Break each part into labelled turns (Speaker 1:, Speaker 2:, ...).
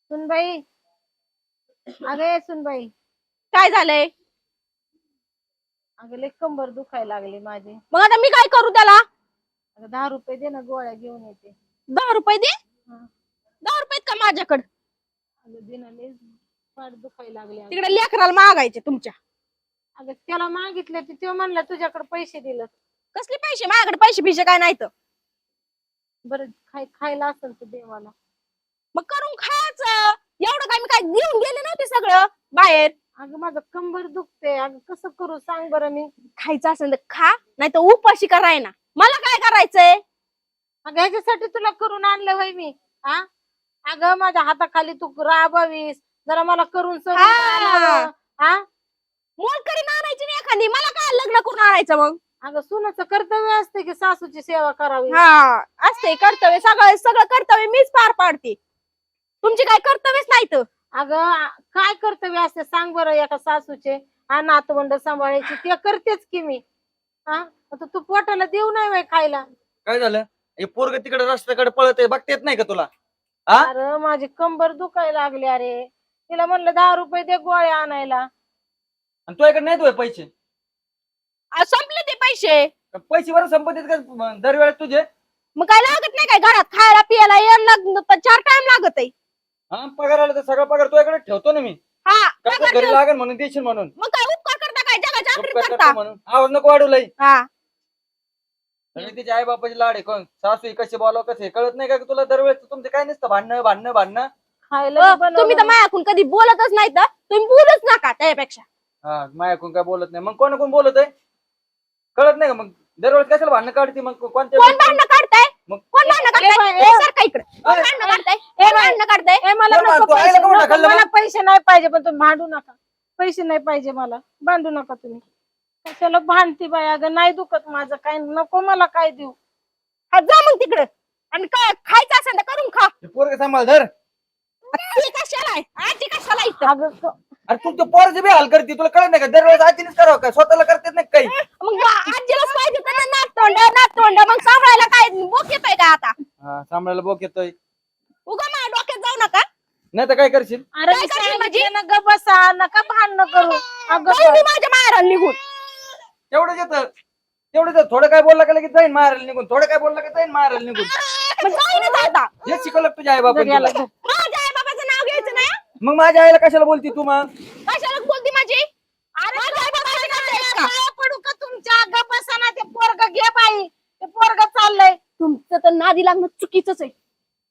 Speaker 1: सुनबाई, अगे सुनबाई,
Speaker 2: काय झालंय?
Speaker 1: अगं लय कंबर दुखायला लागली माझी.
Speaker 2: मग आता मी काय करू त्याला?
Speaker 1: अगं 10 रुपये दे ना, गोळ्या घेऊन येते.
Speaker 2: 10 रुपये दे.
Speaker 1: हा.
Speaker 2: 10 रुपये का माझ्याकडे?
Speaker 1: अगं दे ना, लय पाठ दुखायला लागली अगं.
Speaker 2: तिकडे लेकराला मागायचे तुमच्या.
Speaker 1: अगं त्याला मागितलं तर तो म्हणला तुझ्याकडे पैसे दिलं.
Speaker 2: कसले पैसे? माझ्याकडे पैसे बिशे काय नाही तर.
Speaker 1: बरं खायला असेल तर दे मला.
Speaker 2: मग करून खायचं. एवढं काय मी काय घेऊन गेले नव्हते सगळं बाहेर.
Speaker 1: अगं माझं कंबर दुखते, अगं कसं करू सांग बरं मी.
Speaker 2: खायचं असेल तर खा, नाही तर उपाशी कराय ना. मला काय करायचंय?
Speaker 1: अगं ह्याच्यासाठी तुला करून आणलं होय मी. हा, अगं माझ्या हाताखाली तू राबावीस, जरा मला करून सरून आणावं. हा,
Speaker 2: मोलकरी आणायची नाही एखादी. मला काय लग्न करून आणायचं मग?
Speaker 1: अगं सुनाचं कर्तव्य असते की सासूची सेवा करावी.
Speaker 2: हा, असते कर्तव्य. सगळं सगळं कर्तव्य मीच पार पाडते. तुमची काय कर्तव्यच नाही तर.
Speaker 1: अगं काय कर्तव्य असते सांग बरं एका सासूचे. हा, नातवंड सांभाळायची ते करतेच की मी. हा, आता तू पोटाला देऊ नाही बाई खायला.
Speaker 3: काय झालं? हे पोरग तिकडे रस्त्याकडे पळत बघता येत नाही का तुला? हा,
Speaker 1: अरे माझी कंबर दुखायला लागली. अरे तिला म्हणलं 10 रुपये दे गोळ्या आणायला.
Speaker 3: आणि तुझ्याकडे नाही तुझे पैसे?
Speaker 2: संपले ते पैसे.
Speaker 3: पैसे बरं संपत्तीत का दरवेळेस तुझे?
Speaker 2: मग काय लागत नाही काय घरात खायला पियाला यायला 4 टाइम लागत आहे.
Speaker 3: हा, पगार आला तर सगळा पगार तुझ्याकडे ठेवतो ना मी.
Speaker 2: हा,
Speaker 3: कसं
Speaker 2: पगार
Speaker 3: घरी
Speaker 2: ठेव.
Speaker 3: लागेल म्हणून देशील म्हणून.
Speaker 2: मग काय उपकार करता काय जगाच्या आखरीत
Speaker 3: उपकार
Speaker 2: करता?
Speaker 3: करतो म्हणून आवाज नको वाढू लई.
Speaker 2: हा,
Speaker 3: आणि तिचे आई बापाची लाड आहे. कोण सासू कसे बोलाव कसे कळत नाही का तुला? दरवेळेस तुमचं काय नसतं भांडणं भांडणं भांडणं.
Speaker 1: खायला
Speaker 2: तुम्ही तर माझ्याकडून कधी बोलतच नाही तर तुम्ही बोलूच नका त्यापेक्षा.
Speaker 3: हा, माझ्याकडून काय बोलत नाही. मग कोण बोलत आहे? कळत नाही का? मग दरवेळेस कशाला भांडणं काढते? मग कोणत्या
Speaker 2: कोण भांडणं काढताय?
Speaker 3: मग
Speaker 2: कोण भांडणं काढताय?
Speaker 1: ए,
Speaker 2: सारखा इकडे. कोण भांडणं काढताय? कोण भांडणं काढताय?
Speaker 1: मला
Speaker 3: कोण
Speaker 1: नको
Speaker 3: भांडतो?
Speaker 1: पैसे,
Speaker 3: आईला कोण
Speaker 1: नको,
Speaker 3: ढकललं
Speaker 1: मला
Speaker 3: मग?
Speaker 1: पैसे नाही पाहिजे, पण तुम्ही भांडू नका. पैसे नाही पाहिजे मला, भांडू नका तुम्ही. कशाला भांडती बाई? अगं नाही दुखत माझं काय, नको मला काय देऊ.
Speaker 2: हा, जा मग तिकडे. आणि काय खायचं असेल तर करून खा.
Speaker 3: पोरग सांभाळ धर.
Speaker 2: ती कशाला आहे? आजी कशाला इथं?
Speaker 1: अगं
Speaker 3: अरे तू तो पोरची बी हाल करते. तुला कळत नाही का? दरवेळेस आजीनेच करावं का? स्वतःला करतेच नाही काही.
Speaker 2: मग आजीलाच पाहिजे तर नाततोंड नाततोंड. मग सांभाळायला काय बोक येतोय का आता?
Speaker 3: हा, सांभाळायला बोक येतोय.
Speaker 2: उगा माझ्या डोक्यात जाऊ नका.
Speaker 3: नाही तर काय करशील?
Speaker 1: अरे
Speaker 2: काय
Speaker 1: मी
Speaker 2: करशील माझी?
Speaker 1: सांगितलं ना, ग बसा, नका भांडणं करू. अगं
Speaker 2: जाऊ मी माझ्या माहेराला निघून.
Speaker 3: तेवढंच येतं. तेवढंच येतं. थोडं काय बोलला का लगेच जाईन मारायला निघून. थोडं काय बोलला का जाईन मारायला निघून.
Speaker 2: मग जाईनच आता.
Speaker 3: हे शिकवलं का तुझ्या आई बाबा?
Speaker 1: याला धर.
Speaker 2: माझ्या आई बाबाचं नाव घ्यायचं नाही हं?
Speaker 3: मग माझ्या आईला कशाला बोलती तू मग?
Speaker 2: कशाला बोलती माझी? अरे माझ्या आई बाबाचं नाव घ्यायचं का?
Speaker 1: पाया पडू का तुमच्या? ग बसा ना, ते पोरग घे बाई, ते पोरग चाललंय.
Speaker 2: तुमचं तर नादी लागणं चुकीचंच आहे.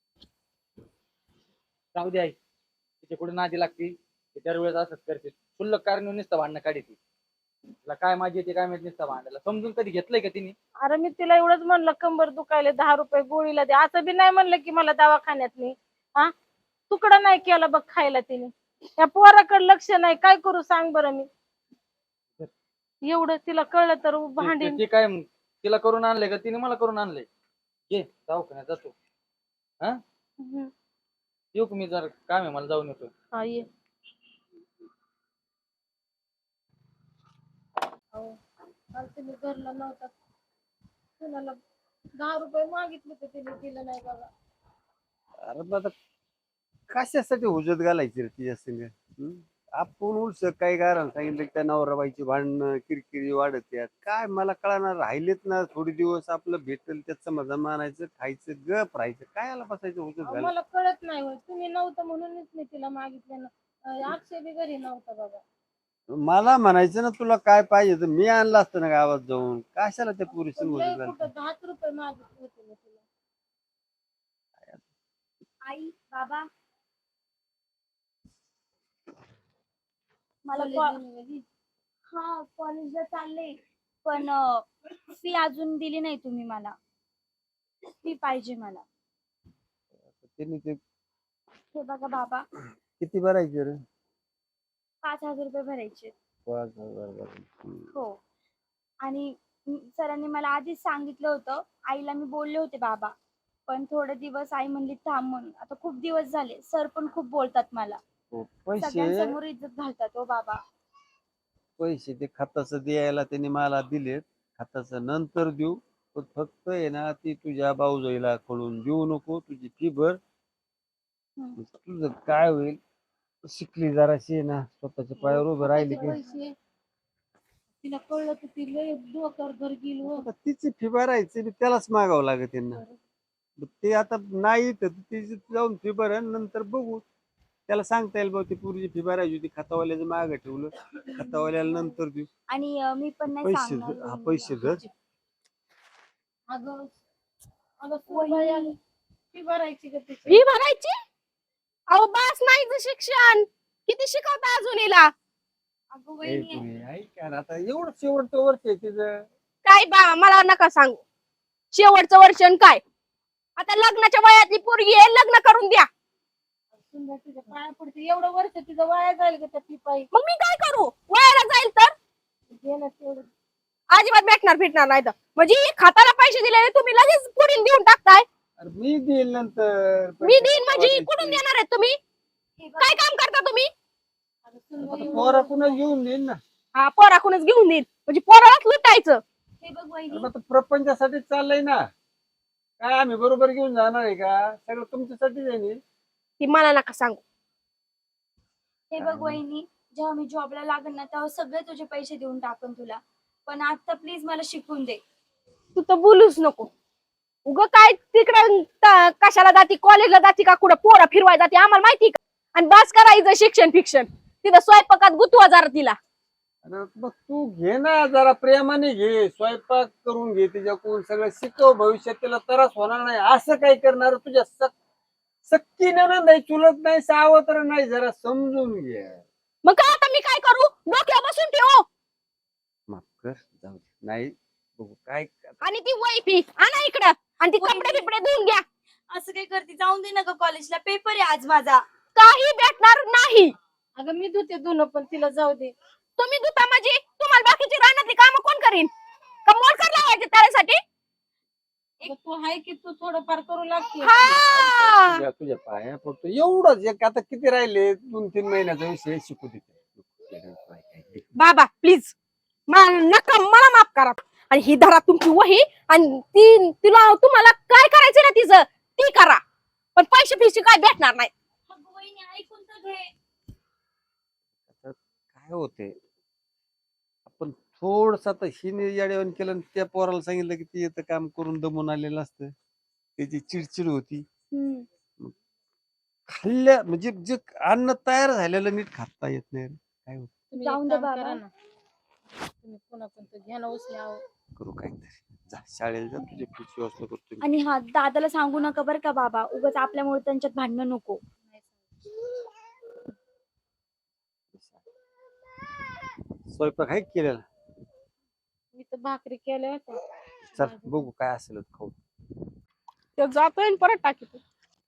Speaker 3: जाऊ दे आई. तिच्या कुठे नादी लागती? दरवेळेस असंच करते. क्षुल्लक कारण नुसतं भांडणं काढते. तिला काय माझी येते काय माहित नुसतं भांडायला. समजून कधी घेतलंय का तिने?
Speaker 1: अरे मी तिला एवढंच म्हणलं कंबर दुखायला 10 रुपये गोळीला दे, असं बी नाही म्हणलं की मला दवाखान्यात नाही. हा, तुकडा नाही केला बघ खायला तिने. त्या पोराकडे लक्ष नाही, काय करू सांग बरं मी. एवढं तिला कळलं तर भांडीन.
Speaker 3: ते काय मग? तिला करून आणलंय का तिने मला करून आणलंय? ये दवाखान्यात जातो. हा, येऊ का मी? जर काम आहे मला, जाऊन येतो.
Speaker 1: हा ये. अहो, काल तुम्ही घरला नव्हता, कुणाला 10 रुपये मागितले तर तिने दिलं नाही बघा.
Speaker 4: अरे मग आता कशासाठी हुजत घालायची रे तिच्या संग? आपण उलस काही कारण सांगितलं की त्या नवराबाईची भांडणं किरकिरी वाढत यात काय मला कळणार. राहिलेत ना थोडे दिवस, आपलं भेटल त्याच समाधान मानायचं, खायचं, गप राहायचं. काय आला बसायचं हुजत
Speaker 1: अहो,
Speaker 4: घालायचं?
Speaker 1: मला कळत नाही होय, तुम्ही नव्हतं म्हणूनच मी तिला मागितलं ना. अक्षय बी घरी नव्हता बघा.
Speaker 4: मला म्हणायचं ना तुला काय पाहिजे तर मी आणलं असतं ना गावात जाऊन. कशाला त्या पुरुष
Speaker 1: पण
Speaker 4: हुजत
Speaker 1: लय
Speaker 4: घालायचं?
Speaker 1: कुठं 10 रुपये मागितले होते मी तिला.
Speaker 5: आई बाबा मला हा कॉलेजला चालले, पण फी अजून दिली नाही तुम्ही मला. फी पाहिजे मला.
Speaker 4: त्यांनी ते
Speaker 5: हे बघा बाबा,
Speaker 4: किती भरायचे रे?
Speaker 5: 5,000 रुपये भरायचे.
Speaker 4: 5,000 भरायचे.
Speaker 5: हो, आणि सरांनी मला आधीच सांगितलं होतं. आईला मी बोलले होते बाबा, पण थोडे दिवस आई म्हणली थांब म्हणून. आता खूप दिवस झाले, सर पण खूप बोलतात मला,
Speaker 4: हो, पैसे
Speaker 5: सगळ्यांसमोर इज्जत घालतात. हो बाबा,
Speaker 4: पैसे ते खताचं द्यायला त्यांनी मला दिलेत. खताचं नंतर देऊ, पण फक्त आहे ना ती तुझ्या भाऊजाईला कळून देऊ नको. तुझी फी भर, तुझं काय होईल, शिकली जराशी आहे ना, स्वतःच्या पायावर उभं राहिली की
Speaker 1: पैसे तिला कळलं तर ती लय डोक्यावर घर गेली हो.
Speaker 4: आता तिची फी भरायची बी त्यालाच मागावं लागत त्यांना. ते आता नाही तर तिची जाऊन फी भरण नंतर बघू. त्याला सांगता येईल बा ती पूर्वीची फी भरायची होती, खतावाल्याचं मागं ठेवलं, खतावाल्याला नंतर देऊ.
Speaker 5: आणि मी पण नाही
Speaker 4: पैसे
Speaker 5: सांगणार
Speaker 4: हा
Speaker 5: वहिनीला.
Speaker 4: पैसे धर.
Speaker 1: अगं अगं सुनबाई आली. फी भरायची का तिची?
Speaker 2: फी भरायची? अहो बास नाही इथं शिक्षण, किती शिकवता अजून हिला?
Speaker 5: अगं
Speaker 4: ए,
Speaker 5: वहिनी
Speaker 4: तुम्ही ऐका ना, आता एवढं शेवटचं वर्ष आहे तिचं.
Speaker 2: काय बा मला नका सांगू, शेवटचं वर्ष आणि काय. आता लग्नाच्या वयातली पोरगी आहे, लग्न करून द्या.
Speaker 1: सुनबाई तुझ्या पाया पडते, एवढं वर्ष तिचं वाया जाईल का त्या फी पायी?
Speaker 2: मग मी काय करू, वयाला जाईल तर
Speaker 1: दे ना तेवढं.
Speaker 2: अजिबात भेटणार नाही तर. म्हणजे खाताला पैसे दिलेले तुम्ही लगेच पुढील देऊन टाकताय.
Speaker 4: अरे मी देईल नंतर
Speaker 2: मी देईन म्हणजे कुठून देणार आहे तुम्ही?
Speaker 5: हे बघ,
Speaker 2: काय काम करता तुम्ही?
Speaker 1: अगं सुनबाई
Speaker 4: पोराकडूनच घेऊन देईन ना.
Speaker 2: हा पोराकडूनच घेऊन देईन म्हणजे पोरालाच लुटायचं.
Speaker 5: हे बघ वहिनी
Speaker 4: अरे आता प्रपंचासाठी चाललंय ना, काय आम्ही बरोबर घेऊन जाणार आहे का? सगळं तुमच्यासाठीच आहे ना.
Speaker 2: ती मला नका सांगू.
Speaker 5: हे बघ वहिनी, जेव्हा मी जॉबला लागेल ना तेव्हा सगळे तुझे पैसे देऊन टाकन तुला. पण आता प्लीज मला शिकून दे.
Speaker 2: तू तर बोलूच नको. उग काय तिकडे कशाला जाती, कॉलेजला जाती का कुठं पोरं फिरवाय जाते आम्हाला माहिती का? आणि बस करायचं शिक्षण फिक्षण, तिथं स्वयंपाकात गुतवा जरा तिला.
Speaker 4: अरे मग तू घे ना, जरा प्रेमाने घे, स्वयंपाक करून घे तिच्याकडून, सगळं शिकव, भविष्यात तिला त्रास होणार नाही. असं काय करणार तुझ्या सक्की नाही, चुलत नाही, सावत्र नाही, जरा समजून घे.
Speaker 2: मग काय आता मी काय करू, डोक्यावर बसून ठेव.
Speaker 4: माफ कर, जाऊ दे. नाही बघू काय.
Speaker 2: आणि ती वैफी आणा इकडं, आणि ती कपडे बिपडे धुवून घ्या.
Speaker 5: असं काही करते, जाऊन दे ना ग कॉलेजला, पेपर आहे आज माझा.
Speaker 2: काही भेटणार नाही.
Speaker 1: अगं मी धुते धुणं, पण तिला जाऊ दे.
Speaker 2: तुम्ही धुता म्हणजे तुम्हाला बाकीची रानातली कामं कोण करीन? का मोलकर लावायचे त्यासाठी?
Speaker 1: अगं तू आहे की तू थोडंफार करू लागते.
Speaker 2: हा
Speaker 4: तुझ्या पाया पडतो एवढंच. एक आता किती राहिले, 2-3 महिन्याचा विषय, शिकू दे.
Speaker 2: बाबा प्लीज नका, मला माफ करा. आणि ही धरा तुमची वही, आणि तिला तुम्हाला काय करायचं ना तिचं ती करा, पण पैसे फिशे काय भेटणार नाही.
Speaker 5: अगं वहिनी ऐकून तर घे.
Speaker 4: काय होते, आपण थोडस आता हिने याडेवन केलं आणि त्या पोराला सांगितलं की ते येतं काम करून दमून आलेलं असतं, त्याची चिडचिड होती. खाल्ल्या म्हणजे जे अन्न तयार झालेलं नीट खाता येत नाही. काय होत,
Speaker 1: तुम्ही
Speaker 5: जाऊन
Speaker 1: एक
Speaker 5: दे
Speaker 1: काम
Speaker 5: बाबा.
Speaker 1: करा ना. तुम्ही कोणाकोणतं घ्या ना उचल्या.
Speaker 4: करू काहीतरी. जा शाळेला जा, तुझी फीची व्यवस्था करतो मी.
Speaker 5: आणि हा दादाला सांगू नका बरं का बाबा, उगाच आपल्यामुळे त्यांच्यात भांडणं नको.
Speaker 4: स्वयंपाक आहे केलेला.
Speaker 1: मी तर भाकरी केल्या होत्या.
Speaker 4: चल बघू काय असेल ते खाऊ.
Speaker 2: ते जातोय आणि परत टाकीतो.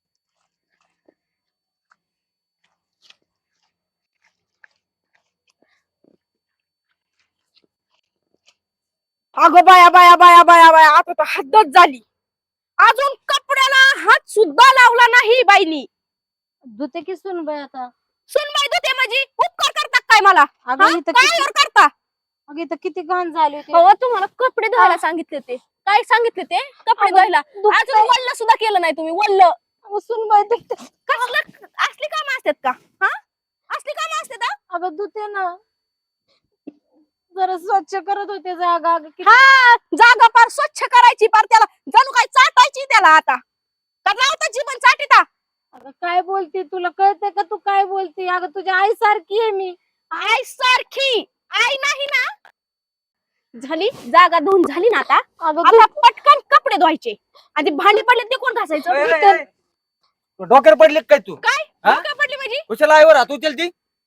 Speaker 2: अगं बाया बाया बाया बाया बाया, आता तर हद्दच झाली. अजून कपड्याला हात सुद्धा लावला नाही बाईनी.
Speaker 1: धुते की सुनबाई आता.
Speaker 2: सुनबाई धुते म्हणजे उपकार करतात काय मला?
Speaker 1: अगं
Speaker 2: हा?
Speaker 1: इथं
Speaker 2: काय
Speaker 1: किती-
Speaker 2: वर करता?
Speaker 1: अगं इथं किती घाण झाली होती.
Speaker 2: हो तुम्हाला कपडे धुवायला सांगितले ते. काय सांगितले ते? कपडे धुवायला. अजून वल्ल सुद्धा केलं नाही तुम्ही. वल्ल
Speaker 1: अगं सुनबाई धुते.
Speaker 2: कसलं असली काम असतात का? हा असली काम असतात हा?
Speaker 1: अगं धुते ना, जरा स्वच्छ करत होते जागा. अगं किती-
Speaker 2: हा जागा पार स्वच्छ करायची, पार त्याला जणू काय चाटायची त्याला आता. तर लावता जीवन चाटीता.
Speaker 1: अगं काय बोलते, तुला कळतंय का तू काय बोलते? अगं तुझ्या आई सारखी आहे मी.
Speaker 2: आई सारखी आई नाही ना. झाली जागा धुवून झाली ना आता.
Speaker 1: अगं
Speaker 2: आता पटकन कपडे धुवायचे, आणि भांडी पडले ते कोण घासायचं?
Speaker 3: डोक्यावर पडले काय तू?
Speaker 2: काय
Speaker 3: हा?
Speaker 2: डोक्यावर पडली म्हणजे?
Speaker 3: कुशाला आईवर हात उचलती?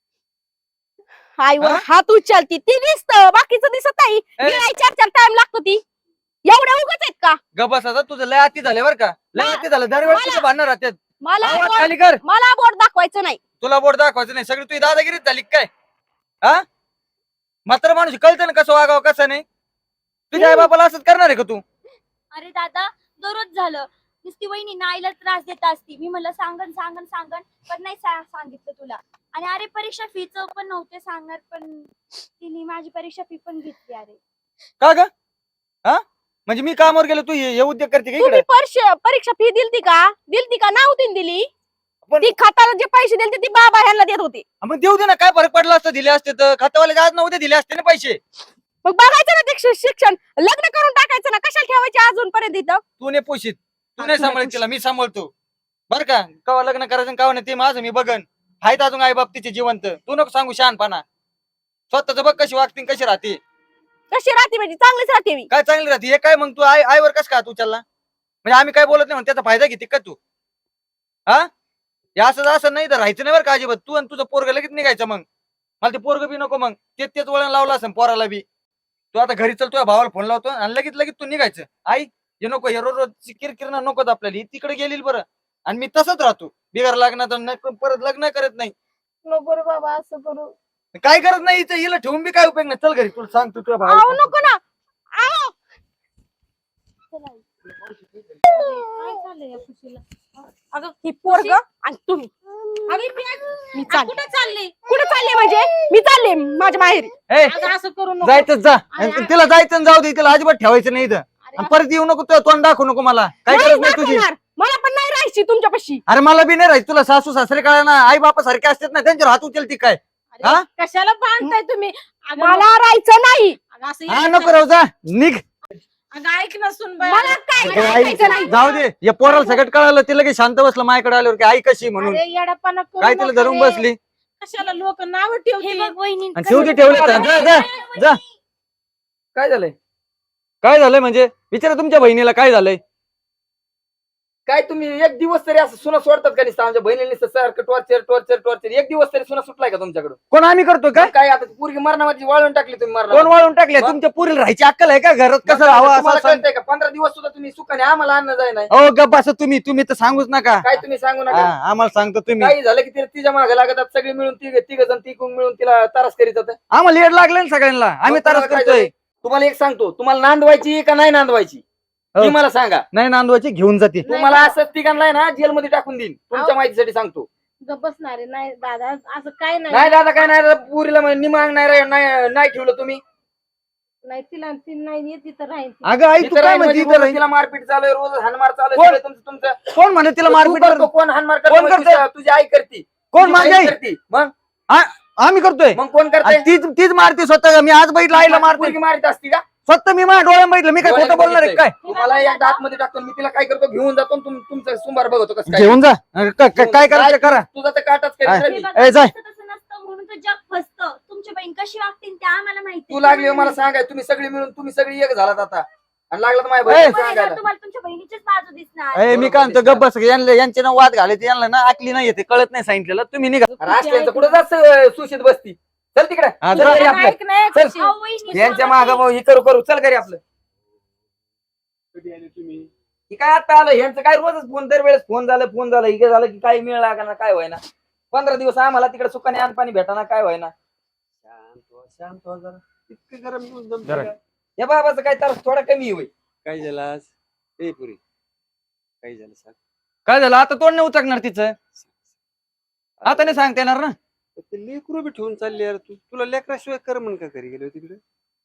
Speaker 2: आईवर
Speaker 3: हा?
Speaker 2: हात उचलती ती दिसत, बाकीचं दिसत नाही. गिळाय 4-4 टाइम लागतो ती. एवढ्या उगाच आहेत का?
Speaker 3: गबस आता तुझं लय अति झाले बर का, लय अति झालं. दरवेळेस तुझं भांडणार राहतात.
Speaker 2: मला
Speaker 3: आवाज
Speaker 2: बोट-
Speaker 3: खाली कर.
Speaker 2: मला बोट दाखवायचं नाही.
Speaker 3: तुला बोट दाखवायचं नाही, सगळी तुझी दादागिरीच झाली काय? हा मात्र माणूस कळतं ना कसं वागावं कसं नाही. तुझ्या आई बापाला असंच करणार आहे का तू?
Speaker 5: अरे दादा, दररोज झालं. नुसती वहिनी नाईला त्रास देत असती. मी म्हणलं सांगन सांगन सांगन, पण नाही सांगितलं तुला. आणि अरे परीक्षा फीचं पण नव्हते सांगणार, पण तिने माझी परीक्षा फी पण घेतली. अरे
Speaker 3: का ग? हा म्हणजे मी कामावर गेलो, तू हे उद्योग करते का
Speaker 2: तुम्ही
Speaker 3: इकडे?
Speaker 2: परीक्षा फी दिलती का? दिलती का? नव्हती दिली. ती खताला जे पैसे दिले ते बाबा ह्यांना देत होते.
Speaker 3: मग देऊ दे ना, काय फरक पडला असतं दिले असते तर खातावाले आज नव्हते दिले असते ना पैसे.
Speaker 2: मग बघायचं ना ते शिक्षण लग्न करून टाकायचं ना, कशाला ठेवायचे अजूनपर्यंत इथं.
Speaker 3: तू नाही पोषित, तू
Speaker 2: हा,
Speaker 3: नाही
Speaker 2: तू नाही
Speaker 3: सांभाळत तिला, मी सांभाळतो बरं का. कवा लग्न करायचं कवा नाही ते माझं मी बघन. आहेत अजून आई बाप तिचे जिवंत, तू नको सांगू शहाणपणा. स्वतःच बघ कशी वागते कशी राहते.
Speaker 2: कशी राहते म्हणजे चांगलीच राहते मी.
Speaker 3: काय चांगली राहते हे काय? मग तू आईवर कस का तू चालला म्हणजे आम्ही काय बोलत नाही म्हणून त्याचा फायदा घेते का तू? हा हे असं नाही तर राहायचं नाही बरं का अजिबात. तू आणि तुझं पोरग लगेच निघायचं. मग मला ते पोरग बी नको, मग तेच वळण लावलं असं पोराला बी. तू आता घरी चल, तुझ्या भावाला फोन लावतो आणि लगेच तू निघायचं. आई हे नको, हे रोज किरकिरणं नकोच आपल्याला. ही तिकडे गेली बरं आणि मी तसंच राहतो बिगर लग्नात, परत लग्न करत नाही.
Speaker 1: नको रे बाबा असं करू.
Speaker 3: काय करत नाही हिचं, हिला ठेवून बी काय उपयोग नाही. चल घरी, तुला सांगतो तुझ्या
Speaker 2: आहो
Speaker 3: भावाला.
Speaker 2: नको ना. आहो.
Speaker 1: काय झालंय या खुशीला? अगं
Speaker 2: ही पोरग आणि तुम्ही.
Speaker 1: अरे
Speaker 2: मी चालले.
Speaker 1: कुठे चालली?
Speaker 2: कुठे चालले म्हणजे? मी चालले माझ्या माहेरी.
Speaker 3: ए,
Speaker 1: अगं असं करू नको.
Speaker 3: जायचंच जा.
Speaker 1: अरे,
Speaker 3: आणि तिला जायचं आणि जाऊ दे, तिला अजिबात ठेवायचं नाही इथं. आणि परत येऊ नको, तुझं तोंड दाखवू नको मला. काय
Speaker 2: नाही
Speaker 3: गरज नाही तुझी.
Speaker 2: दाखवणार. मला पण नाही राहायची तुमच्यापाशी.
Speaker 3: अरे मला बी नाही राहायचं. तुला सासू सासरे काय ना आई बापा सारखे असतात ना, त्यांच्यावर हात उचलती काय?
Speaker 1: अरे,
Speaker 3: हा?
Speaker 1: कशाला बांधताय तुम्ही? अगं
Speaker 2: मला राहायचं नाही.
Speaker 1: अगं असं
Speaker 3: हा
Speaker 1: यायचं.
Speaker 3: नको राहू, जा निघ.
Speaker 1: अगं ऐक ना सुनबाई.
Speaker 2: मला काय
Speaker 3: अगं,
Speaker 2: राहायचं नाही.
Speaker 3: आई, जाऊ दे. या पोराला सगळं कळालं, तिला की शांत बसलं माझ्याकडे आल्यावर की आई कशी म्हणून.
Speaker 1: अरे येडापणा करू
Speaker 3: काय तिला
Speaker 1: नका
Speaker 3: धरून
Speaker 1: रे.
Speaker 3: बसली
Speaker 1: कशाला लोक नाव
Speaker 5: हे
Speaker 1: ठेवतील?
Speaker 5: बघ वहिनी
Speaker 3: आणि शेवटी ठेवले. जा. काय झालंय? काय झालंय म्हणजे विचारा तुमच्या बहिणीला काय झालंय.
Speaker 6: काय तुम्ही एक दिवस तरी असं सुना सोडतात का नाही? आमच्या बहिणीने सारखं टॉर्चर एक दिवस तरी सुना सुटलाय का तुमच्याकडून?
Speaker 3: कोण आम्ही करतो काय?
Speaker 6: काय आता पोरगी मरणाची वाळून टाकली तुम्ही
Speaker 3: कोण
Speaker 6: मरणा.
Speaker 3: वाळून टाकले?
Speaker 6: मग?
Speaker 3: तुमच्या पुरीला राहायची अक्कल आहे का? घरात कसं राहावं
Speaker 6: तुम्हाला
Speaker 3: असं सांग.
Speaker 6: कळतंय का? 15 दिवस सुद्धा तुम्ही सुखाने आम्हाला अन्न जाय नाही.
Speaker 3: हो गप्प असं तुम्ही तर सांगूच नका.
Speaker 6: काय तुम्ही सांगू
Speaker 3: हा,
Speaker 6: नका.
Speaker 3: आम्हाला सांगतो तुम्ही.
Speaker 6: काही झालं की तिच्या मागे लागतात सगळे मिळून तिघ जण तिकून मिळून तिला तारस करीत होते.
Speaker 3: आम्हाला लेट लागले ना सगळ्यांना. आम्ही
Speaker 6: मग
Speaker 3: तरच
Speaker 6: तुम्हाला काय
Speaker 3: करतोय.
Speaker 6: झालंय? तुम्हाला एक सांगतो, तुम्हाला नांदवायची का नाही नांदवायची
Speaker 3: हो.
Speaker 6: ती मला सांगा.
Speaker 3: नाही नांदवायची घेऊन जाते.
Speaker 6: तुम्हाला असं तिघांना ना जेलमध्ये टाकून देईन. तुमच्या माहितीसाठी सांगतो.
Speaker 1: गप्प बसणार आहे. नाही दादा असं काय
Speaker 6: नाही
Speaker 1: नाही.
Speaker 6: दादा काय नाही, पुरीला निमांग नाही ठेवलं तुम्ही.
Speaker 1: नाही तिला ती नाही येत तिथं राहील ती.
Speaker 3: अगं आई तू
Speaker 6: इथं
Speaker 3: काय
Speaker 6: राहील
Speaker 3: म्हणते
Speaker 6: म्हणजे
Speaker 3: इथं
Speaker 6: रोज
Speaker 3: राहील?
Speaker 6: तिला मारपीट चालू आहे, रोज हानमार चालू
Speaker 3: कोण?
Speaker 6: आहे. तुमचं
Speaker 3: कोण म्हणे तिला
Speaker 6: तू
Speaker 3: मारपीट
Speaker 6: करतो,
Speaker 3: करतो?
Speaker 6: कोण हानमार
Speaker 3: कोण
Speaker 6: करतो?
Speaker 3: करतंय?
Speaker 6: तुझी आई करते.
Speaker 3: कोण
Speaker 6: तुझी
Speaker 3: माझी
Speaker 6: आई
Speaker 3: आई?
Speaker 6: करते. मग
Speaker 3: आम्ही करतोय.
Speaker 6: मग कोण करते?
Speaker 3: आणि तीच मारते स्वतः. मी आज बघितलं आईला मारते
Speaker 6: पोरगी मारित असती का?
Speaker 3: स्वतः. मी माझ्या डोळ्यात बघितलं. मी काय खोटं बोलणार आहे काय?
Speaker 6: तुम्हाला एकदा आतमध्ये टाकतो मी, तिला काय करतो घेऊन जातो आणि तुमचं सुंबार बघतो कसं काय.
Speaker 3: घेऊन जा. काय करायचं करा.
Speaker 6: तुझा तर काटाच
Speaker 3: हा.
Speaker 6: करीत
Speaker 5: हे
Speaker 6: राहिली.
Speaker 5: बघा,
Speaker 3: ए, जाय.
Speaker 5: तसं नसतं म्हणून तर जग फसतं. तुमची बहीण कशी वागतील ते आम्हाला माहिती.
Speaker 6: तू लागली हो मला सांगाय, तुम्ही सगळी एक झालात आता आणि लागला तर माझ्या
Speaker 3: ए.
Speaker 6: बहिणीला
Speaker 5: तुम्हाला
Speaker 6: सांगायला.
Speaker 5: तुम्हाला तुमच्या बहिणीचीच बाजू दिसणार.
Speaker 3: ए, मी काय म्हणतो गप्प बस. यांचे ना वाद घालायचे, यांना ना आकली नाही येते, कळत नाही सांगितलेलं. तुम्ही निघा.
Speaker 6: राष्ट्रांचं कुठं जास्त सुशीत बसती. चल तिकडे.
Speaker 3: हा,
Speaker 6: चल
Speaker 3: जा.
Speaker 6: घरी आपलं.
Speaker 1: ऐक नाही
Speaker 6: चल.
Speaker 1: खुशी.
Speaker 5: अहो, वहिनी,
Speaker 6: यांच्या
Speaker 5: सांगा
Speaker 6: माग
Speaker 5: की.
Speaker 6: ही करू चल घरी आपलं.
Speaker 4: कधी आले तुम्ही?
Speaker 6: ही काय आता आलं यांचं काय रोजच फोन, दरवेळेस फोन झालं हे झालं की काही मिळ लागा ना, काय व्हायना. 15 दिवस आम्हाला तिकडे सुखाने अन्न भेटाना, काय व्हायना.
Speaker 4: शांत व्हा जरा. इतकं गरम दिवस जमतं
Speaker 3: जरा.
Speaker 4: का?
Speaker 6: या बाबाचं काय तर थोडा कमी होईल.
Speaker 4: काय झालं आज? ए पुरी काय झालं सांग.
Speaker 3: काय झालं आता? तोंड नाही उचकणार तिचं. आता नाही सांगता येणार ना.
Speaker 4: ते लेकरू बी ठेवून चालले यार. तुला लेकराशिवाय कर म्हण का घरी गेलो तिकडे?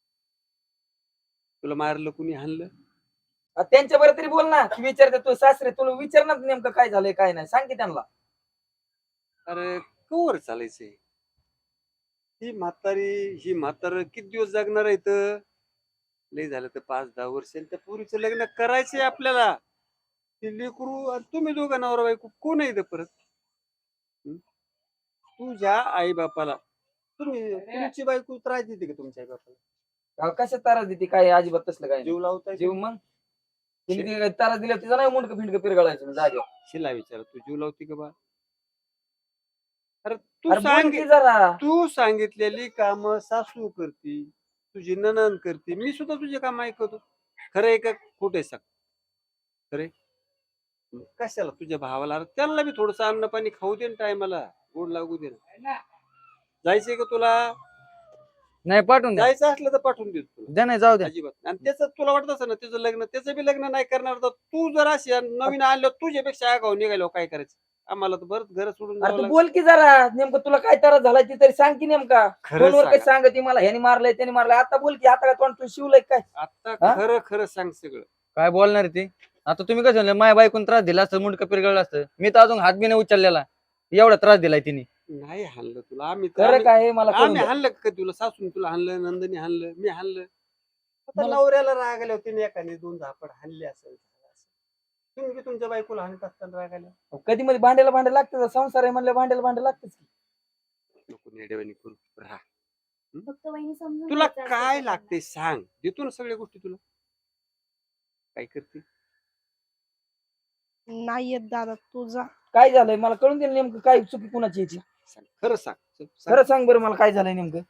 Speaker 4: तुला मारलं कुणी हाणलं?
Speaker 6: त्यांच्या बरोबर तरी बोल ना. ती विचारते तू सासरे, तुला विचार ना नेमकं काय झालंय काय नाही, सांग की त्यांना.
Speaker 4: अरे कवर चालायचंय? ही म्हातार किती दिवस जगणार आहे इथं? लय झालं तर 5-10 वर्ष. त्या पोरीचं लग्न करायचंय आपल्याला. ते लेकरू आणि तुम्ही दोघं नवरा बायको कोण आहे इथं परत? तुझ्या आई बापाला तुमची बायको त्रास देते का तुमच्या आई बापाला?
Speaker 6: कशात तारा देते काय? अजिबात तसलं काय नाही.
Speaker 4: जीव लावताय
Speaker 6: जीव मग तिने तारा दिल्या तिचा नाही मुंडक फिंडक पिरगळायचं जागेवर.
Speaker 4: शिला विचार तू जीव लावते का बा? अरे तू
Speaker 6: अरे बोल
Speaker 4: सांग.
Speaker 6: की जरा.
Speaker 4: तू सांगितलेली काम सासू करती, तुझी नणन करते, मी सुद्धा तुझे काम ऐकतो. खरं आहे का खोट आहे सांग? खरे कशाला तुझ्या भावाला? अरे त्यांना बी थोडस अन्न पाणी खाऊ दे ना, टायमाला गोड लागू दे ना. जायचंय का तुला?
Speaker 3: नाही पाठवून द्या.
Speaker 4: जायचं असलं तर पाठवून देतो तुला.
Speaker 3: द्या नाही, जाऊ द्या.
Speaker 4: अजिबात. आणि त्याच तुला वाटत असं ना त्याचं लग्न, त्याचं बी लग्न नाही करणार तर तू जर अशी नवीन आणलं तुझ्यापेक्षा आगाऊ निघालो काय करायचं? आम्हाला तर बरं घर सोडून
Speaker 6: अरे
Speaker 4: जावं
Speaker 6: तू
Speaker 4: लागतं.
Speaker 6: बोल की जरा, नेमकं तुला काय त्रास झालाय ती तरी सांग की नेमका.
Speaker 4: खरं
Speaker 6: फोनवर काही
Speaker 4: सांगा.
Speaker 6: सांग ती मला, ह्याने मारलंय त्याने मारलंय. आता बोल की, आता काय तोंड तू शिवलंय काय?
Speaker 4: आता
Speaker 6: हा?
Speaker 4: खरं खरं सांग सगळं.
Speaker 3: काय बोलणार ती? आता तुम्ही कसं म्हणलं, माझ्या बायकोन त्रास दिला असतं, मुंडकं पिरगळलं असतं, मी तर अजून हात बी नाही उचललेला, एवढा त्रास दिलाय तिने.
Speaker 4: नाही हाणलं तुला आम्ही
Speaker 6: खरं काय हे मला कळून
Speaker 4: आम्ही
Speaker 6: द्या.
Speaker 4: हाणलं का तुला? सासून तुला हाणलं, नंदनी हाणलं, मी हाणलं. आता
Speaker 6: मला-
Speaker 4: नवऱ्याला राग आल्या होती एकाने 2 झापड हाणले असेल. तुम्ही बी तुमच्या बायकोला हाणत असताना राग आल्या.
Speaker 6: कधी मध्ये भांड्याला भांडे लागतं, संसार आहे म्हणलं भांड्याला भांडे लागतच.
Speaker 4: नको नेडेवानी करू राहा.
Speaker 5: फक्त वहिनी समजून
Speaker 4: तुला
Speaker 5: घ्यायचं असतं
Speaker 4: काय
Speaker 5: सगळ्यांना.
Speaker 4: लागते सांग, देतो ना सगळ्या गोष्टी तुला. काय करते?
Speaker 2: नाही येत दादा तू जा.
Speaker 6: काय झालंय मला कळून दे ना नेमकं काय चुकी कुणाची याची.
Speaker 4: सांग, खरं सांग.
Speaker 6: खरं सांग बरं मला काय झालंय नेमकं.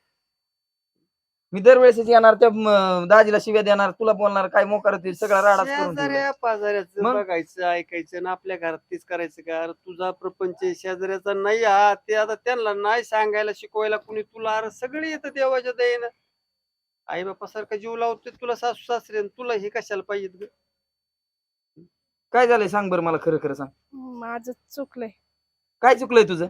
Speaker 6: मी दरवेळेस येणार त्या दाजीला शिव्या देणार, तुला बोलणार, काय मोकार होतील, सगळा राडाच करून ठेवलाय.
Speaker 4: शेजाऱ्या पाजाऱ्याचं
Speaker 6: मग?
Speaker 4: बघायचं ऐकायचं ना आपल्या घरात तेच करायचं का? अरे तुझा प्रपंच आहे, शेजाऱ्याचा नाही हा. ते आता त्यांना नाही सांगायला शिकवायला कुणी तुला. अरे सगळे येतं देवाच्या दयेनं. आई बापा सारखा जीव लावते तुला सासू सासरे, आणि तुला हे कशाला पाहिजे?
Speaker 6: काय झालंय सांग बरं मला, खरं खरं सांग.
Speaker 2: माझं चुकलंय.
Speaker 6: काय चुकलंय तुझं?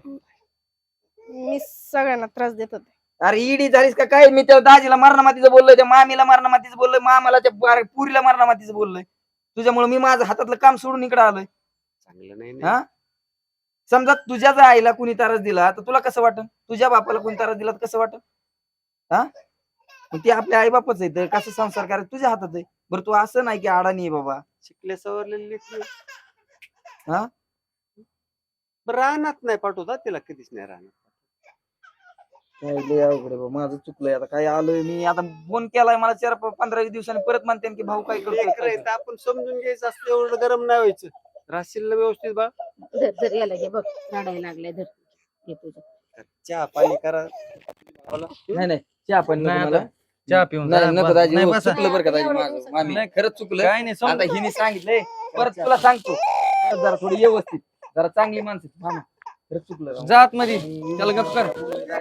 Speaker 2: मी सगळ्यांना त्रास देत होते.
Speaker 6: अरे ईडी झालीस का काय? मी त्या दाजीला मारणामातीचं बोललोय, त्या मामीला मारणामातीचं बोललोय, मामाला त्या पुरीला मारणामातीचं बोललोय. तुझ्यामुळे मी माझं हातातलं काम सोडून इकडे आलोय.
Speaker 4: चांगलं नाही
Speaker 6: हा? समजा तुझ्याच आईला कुणी त्रास दिला तर तुला कसं वाटन? तुझ्या बापाला कुणी त्रास दिला तर कसं वाटन? हा? मग ते आपल्या आई बापाच आहे, तर कसं संसार करायचं तुझ्या हातात आहे. बरं तू असं नाही की अडाणी आहे बाबा.
Speaker 4: शिकले सवरलेले लेकरं.
Speaker 6: हा?
Speaker 4: बरं, रानात नाही पाठवता तिला, कधीच नाही राहणार.
Speaker 6: काय लय अवघड आहे बाबा, माझं चुकलंय. आता काय आलोय मी, आता फोन केलाय मला 4-15 दिवसांनी, परत म्हणते की भाऊ काय
Speaker 4: लेकरं
Speaker 6: करतो.
Speaker 4: आहेत, आपण समजून घ्यायचं असतं, एवढं गरम नाही व्हायचं. राशील व्यवस्थित बा.
Speaker 1: धर धर याला घे बघ, रडायला लागलाय, धर घे तुझं.
Speaker 4: चहा पाणी करा.
Speaker 6: नाही नाही चहा पण
Speaker 3: नाही
Speaker 6: नको मला.
Speaker 3: आता चहा पिऊन
Speaker 6: नाही
Speaker 3: जा,
Speaker 6: नको
Speaker 3: बस.
Speaker 6: दाजी,
Speaker 3: नाही
Speaker 6: हो,
Speaker 3: बसा.
Speaker 6: चुकलं बरं का दाजी
Speaker 5: एवढ्या
Speaker 6: माझं.
Speaker 5: दिवसात
Speaker 6: मामी
Speaker 3: नाही.
Speaker 6: खरंच चुकलं.
Speaker 3: काय नाही
Speaker 6: आता
Speaker 3: समजून-
Speaker 6: हिने सांगितलंय, परत तुला सांगतो. जरा थोडी व्यवस्थित, जरा चांगली माणसं मामा. खरंच चुकलं राव.
Speaker 3: जात मध्ये त्याला गप कर.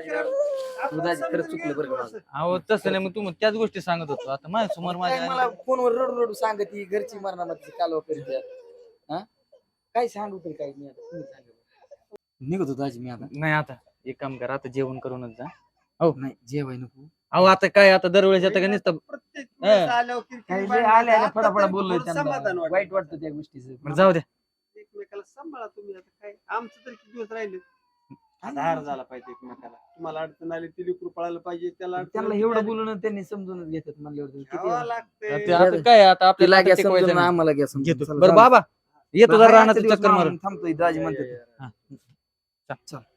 Speaker 6: तू दाजी खरंच चुकलं बरं का माझं.
Speaker 3: अहो तसं नाही, मग तू त्याच गोष्टी सांगत होतो. आता माझ्या समोर
Speaker 6: काय
Speaker 3: माझ्या
Speaker 6: मला फोनवर रडू रडू सांगत ही घरची मरणामध्ये कालवा करीत आहे. हा? काय सांगू तरी काय मी आता, तुम्ही सांगा. निघतो दाजी मी आता.
Speaker 3: नाही. आता एक काम करा, आता जेवण करूनच जा.
Speaker 6: नाही जेवाय नको.
Speaker 3: अहो आता काय, आता दरवेळेस येतं का नुसतं.
Speaker 4: प्रत्येक वेळेस आल्यावर किरकिर
Speaker 6: काही लय
Speaker 4: भांडणं.
Speaker 6: आले
Speaker 4: आता
Speaker 6: फडाफडा
Speaker 4: तरी
Speaker 6: बोललोय
Speaker 4: थोडं
Speaker 6: त्यांना.
Speaker 4: समाधान वाटतं.
Speaker 6: वाईट वाटतं त्या गोष्टीचं.
Speaker 3: बरं, जाऊ द्या.
Speaker 4: एकमेकाला सांभाळा तुम्ही. आता काय आमचं तरी किती दिवस राहिले? आधार झाला पाहिजे एकमेकाला. तुम्हाला अडचण आली ती लेकरू पळायला पाहिजे, त्याला अडचण
Speaker 6: त्यांना
Speaker 4: आली,
Speaker 6: एवढं
Speaker 4: ती
Speaker 6: बोलून त्यांनी समजूनच घेतात म्हणल्यावर किती
Speaker 4: घ्यावं लागतंय.
Speaker 3: ते आता काय, आता
Speaker 6: तिला
Speaker 3: आपल्याला
Speaker 6: घ्या
Speaker 3: टिकवायचं
Speaker 6: समजून,
Speaker 3: नाही.
Speaker 6: आम्हाला घ्या समजून.
Speaker 3: घेतो.
Speaker 6: चला,
Speaker 3: बरं
Speaker 6: चला.
Speaker 3: बाबा येतो
Speaker 6: बरं,
Speaker 3: जरा
Speaker 6: हाय,
Speaker 3: रानात
Speaker 6: आजच्या दिवस
Speaker 3: चक्कर मारून.
Speaker 6: थांबतोय दाजी म्हणतात.
Speaker 3: हा.
Speaker 6: चल